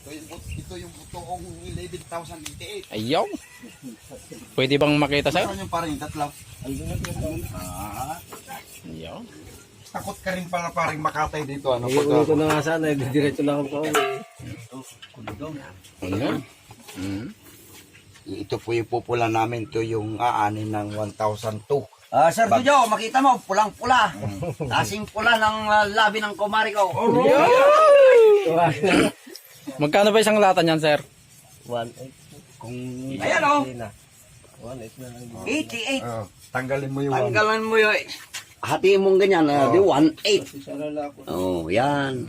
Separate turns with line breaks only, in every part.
Ito yung butoong 11,088.
Ayaw. Pwede bang makita sir?
Saan yung paring tatlaw?
Ayaw.
Takot ka rin pala paring makatay dito. Ano
Iuwi ko na nga sana, diretso lang ako pauwi.
Ano?
Ito po yung pupula namin. Ito yung aanin ng 1,002.
Sir Bujo, makita mo, pulang-pula. Kasing pula ng labi ng kumari ko.
Magkano ba isang lata niyan sir?
1.8. Kung
Ayan, oh.
1.8 na lang.
88.
Tanggalin mo yung
Tanggalan mo yun. Hatiin mong ganyan, di 1.8. Oh, yan.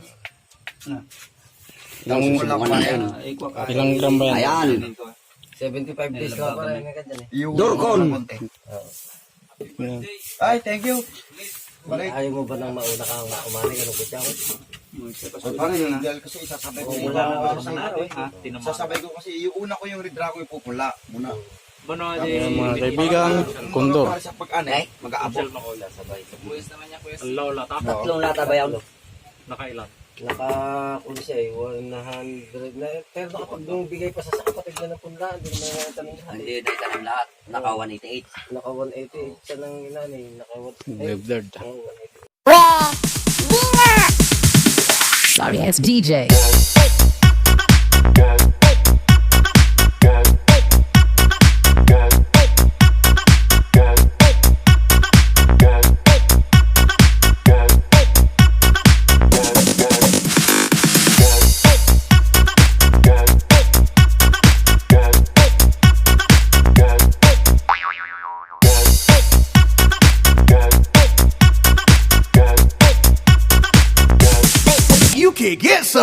Ilang, ilang gram ba yan?
Ayan.
75 days ka pa rin agad yan eh.
Dorcon.
Ay, thank you.
Ayaw mo ba nang mauna kang umani ka ng kutsa ko?
Dahil kasi isasabay ko. Sasabay ko kasi yung una ko yung red dragon yung pupula. Muna.
Ayan, mga kaibigan, kondor.
Sa pag-anay, mag-aabot.
Tatlong lata ba yan?
Naka-kuli siya eh, 100 na. Pero kapag nung bigay pa sa kapatid na ng punda, hindi naman na tanong lahat.
Hindi, dahil tanong lahat. Naka 188.
Naka 188 siya ng inani, naka 188.
Blurred.
Oh, 188.
Sorry, it's DJ.
You can get some.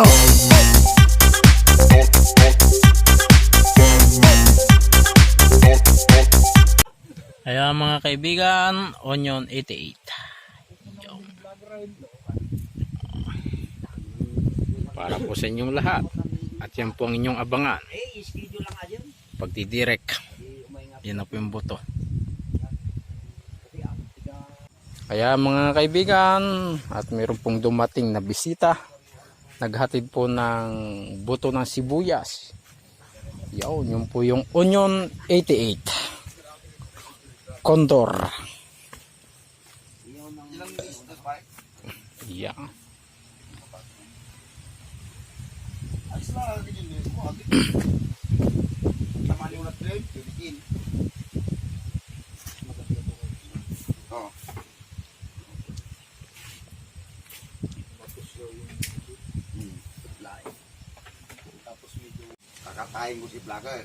Ayan mga kaibigan, onion 88. Yun. Para po sa inyong lahat. At yan po ang inyong abangan. Pagdidirect. Yan na po yung buto. Kaya mga kaibigan, at mayroon pong dumating na bisita. Naghatid po ng buto ng sibuyas. Yun po yung onion 88. Condor. Yeah.
Kakatayin ko si vlogger.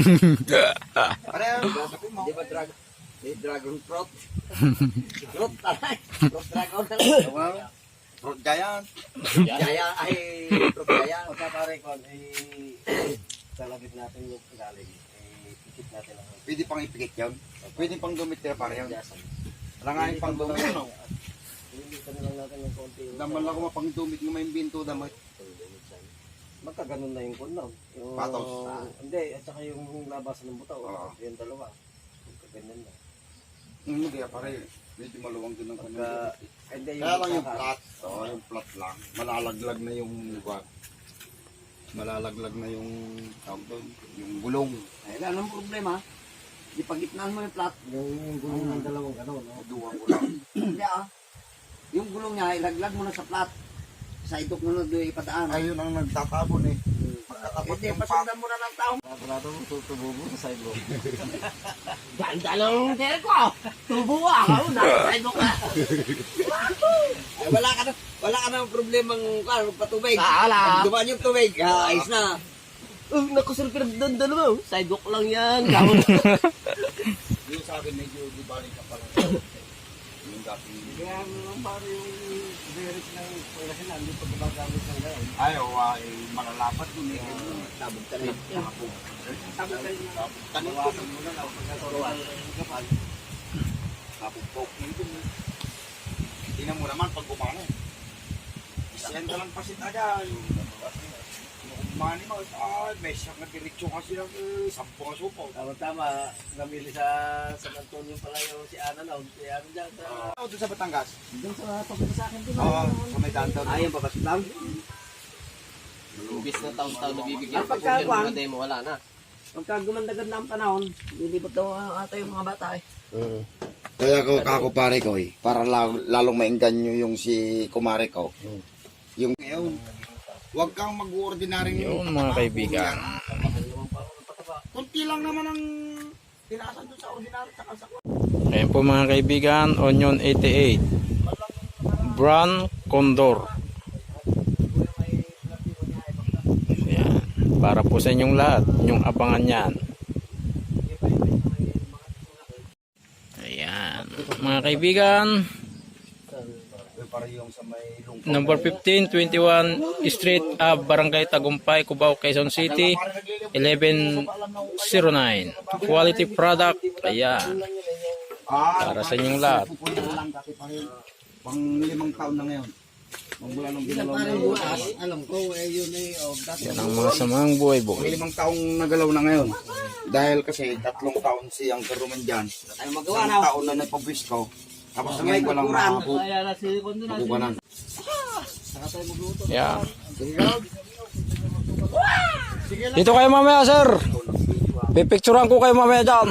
Di ba dragon fruit? Fruit talay. Fruit dragon.
Fruit giant.
Gaya ay fruit gaya.
Pagka pare ko, talagit natin yung galing. Pikit natin ang
Pwede pang ipikit yun. Pwede pang dumit kaya pare yun. Wala nga yung pang dumit.
hindi ka na lang natin ng konti.
Daman lang ko mapang dumit ng may binto damay.
Magkaganon na yung kunaw. Yung,
Patos.
Hindi, at saka yung labasan ng butaw.
Oo.
Yung dalawa. Magkaganon na.
Hindi kaya pare. Medyo maluwang din ang kanila.
Hindi,
Kaya lang yung plat. Oo, yung plat lang. Malalaglag na yung what? Malalaglag na yung tawag doon. Yung gulong.
Ay, anong problema? Ipagitnaan mo yung plat.
yung gulong ng dalawang gano'n. No?
Duwang ko lang.
Hindi yung gulong niya, ilaglag mo na sa plat. Sa idok mo na doon ipadaan.
Ayun ang nagtatabon eh. Magkatapat
Hindi,
yung pap.
pasundan mo na ng tao.
Sigurado mo, tutubo mo sa sidewalk.
Ganda lang tere ko. Tubo ako. Nasa idok ka. Ay, wala ka na problemang patubig. Pag dumaan yung tubig, ayos na. Nakusulpir doon dalawa. Sidewalk lang yan. Gawin.
Yung sa akin medyo di balik ka pala. Yung dating.
Kaya naman pare yung lyrics ng pagkasin, hindi pa gumagamit ng gano'n.
Ay, ay malalapat dun eh.
Tabog ka na.
Tabog ka rin na.
Tanin ko
mo na lang pagkaturuan ng kapal.
napupok na dun eh. Tingnan mo naman pag gumana eh. Isyan ka lang pasit agad. Mani mo, may siyang nagdiretso kasi ng 10 supo.
Tama-tama, namili sa San Antonio pala yung si Ana na. Si Ana dyan sa...
Doon sa Batangas?
Doon sa pagkita sa akin din.
Oo, sa may danto.
Ayun pa ba lang?
Hindi
Imbis na taon-taon nabibigyan
Ang
ko
pagkakuan.
yung mga demo, wala na.
Pagka gumanda-ganda ang panahon, lilipot daw ata yung mga bata eh.
Kaya ko kako pare ko para lalong maingganyo yung si kumare ko. Yung ngayon, huwag kang mag-ordinaryong
Yun mga kaibigan.
Kunti lang naman ang tinasan doon sa ordinary sa kasa.
Ayan po mga kaibigan, Onion 88. Brand Condor. Ayan. Para po sa inyong lahat, inyong abangan yan. Ayan. Mga kaibigan,
Para yung sa may lungkot.
number 1521 Street Ave, Barangay Tagumpay, Cubao, Quezon City, 1109. Quality product. Ayan. Para sa inyong lahat.
Pupunin na lang kasi pang 5 taon na ngayon. Magmula nung ginalaw na
Parang
yun.
bukas, alam ko, yun eh, dati.
Yan ang mga samang buhay
Pang
buhay.
5 taong nagalaw na ngayon. Dahil kasi 3 taon siyang karuman dyan.
Tayo magawa
Isang
na.
taon na nagpabwis ko. Tapos ngayon ko lang makukubanan.
Yan. Dito kayo mamaya, sir. Pipicturean ko kayo mamaya dyan.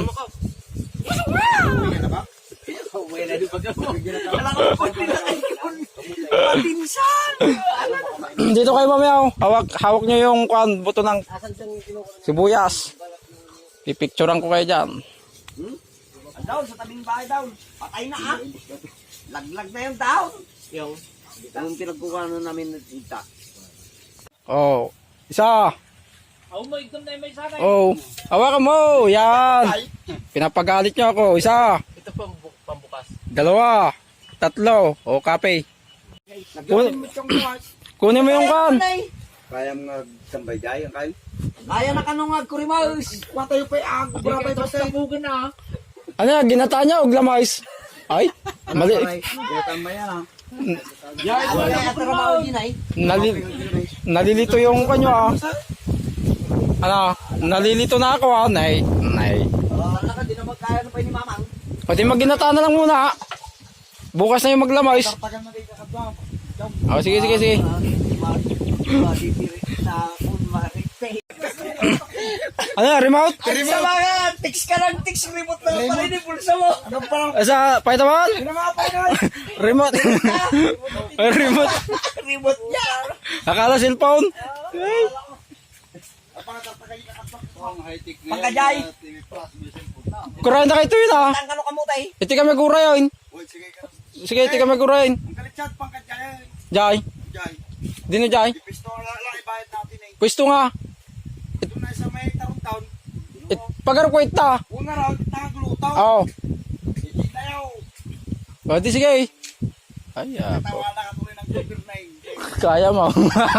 Dito kayo mamaya. Oh. Hawak nyo yung buto ng sibuyas. Pipicturean ko kayo dyan.
Daw, sa tabing bahay daw. Patay na ah. Laglag na yung daw. Yung pinagkukuha na namin ng tita.
Oh, isa. Oh, hawakan mo. Yan. Pinapagalit nyo ako. Isa.
Ito pambukas.
2, 3. O, kape. Kunin mo yung kan.
Kaya mga tambay dahil kayo.
Kaya na kanungag kurimaus. Patayo pa yung ako. Brabay pa sa bugin na.
Ano yan? Ginata niya o glamis? Ay, mali.
Kaya tambay yan ha.
Wala ka trabaho din ay.
Nalilito yung kanyo ah. Ano? Nalilito na ako ah. Nay.
Wala ka, di na magkaya na pa ni mamang.
Pwede magginata na lang muna. Bukas na yung maglamis.
Tagal na kayo kakabang.
Oh, sige. Ano yan? Remote?
Sa mga, tix ka lang, tix, remote na lang pala yung pulsa mo.
Ano pa lang?
Sa Paitaman?
Pinamapay na.
Remote. Remote.
Remote niya.
Akala cellphone.
Pagkajay.
Kurain na kayo ito yun ah.
Tang kano kamutay.
Iti kami kurain.
Uy, sige ka.
Sige, iti kami kurain.
Ang kalitsat pang kajay.
Jai.
Jay.
Dino Jai.
Pisto lang ibayad natin eh.
Pwesto nga.
Ito na sa may tarong taon.
Pagkarkwait ta.
Una raw, taglutaw.
Oo.
Hindi tayo.
O, di sige. Ay, ako.
Tawa na katuloy ng Joker na eh.
Kaya mo.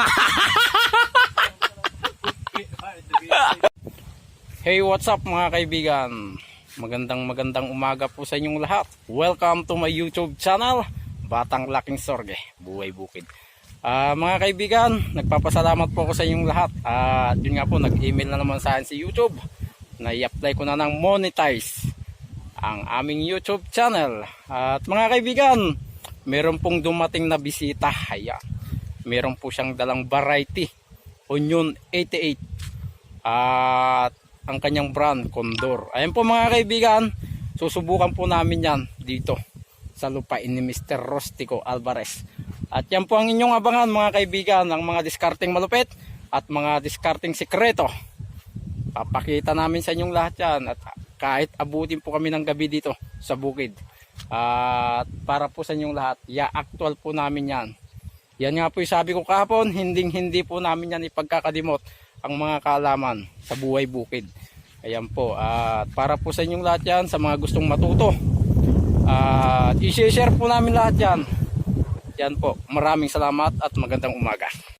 Hey, what's up mga kaibigan? Magandang umaga po sa inyong lahat. Welcome to my YouTube channel, Batang Laking Sorge, Buhay Bukid. Mga kaibigan, nagpapasalamat po ako sa inyong lahat. Yun nga po, nag-email na naman sa akin si YouTube na i-apply ko na ng monetize ang aming YouTube channel. At mga kaibigan, meron pong dumating na bisita. Ayan. Meron po siyang dalang variety, Onion 88. At ang kanyang brand, Condor. Ayan po mga kaibigan, susubukan po namin yan dito sa lupain ni Mr. Rostico Alvarez. At yan po ang inyong abangan mga kaibigan, ang mga discarding malupit at mga discarding sekreto. Papakita namin sa inyong lahat yan, at kahit abutin po kami ng gabi dito sa bukid. At para po sa inyong lahat, actual po namin yan. Yan nga po yung sabi ko kahapon, hindi po namin yan ipagkakalimot ang mga kaalaman sa buhay bukid. Ayan po, at para po sa inyong lahat yan, sa mga gustong matuto, i-share po namin lahat yan. Yan po, maraming salamat at magandang umaga.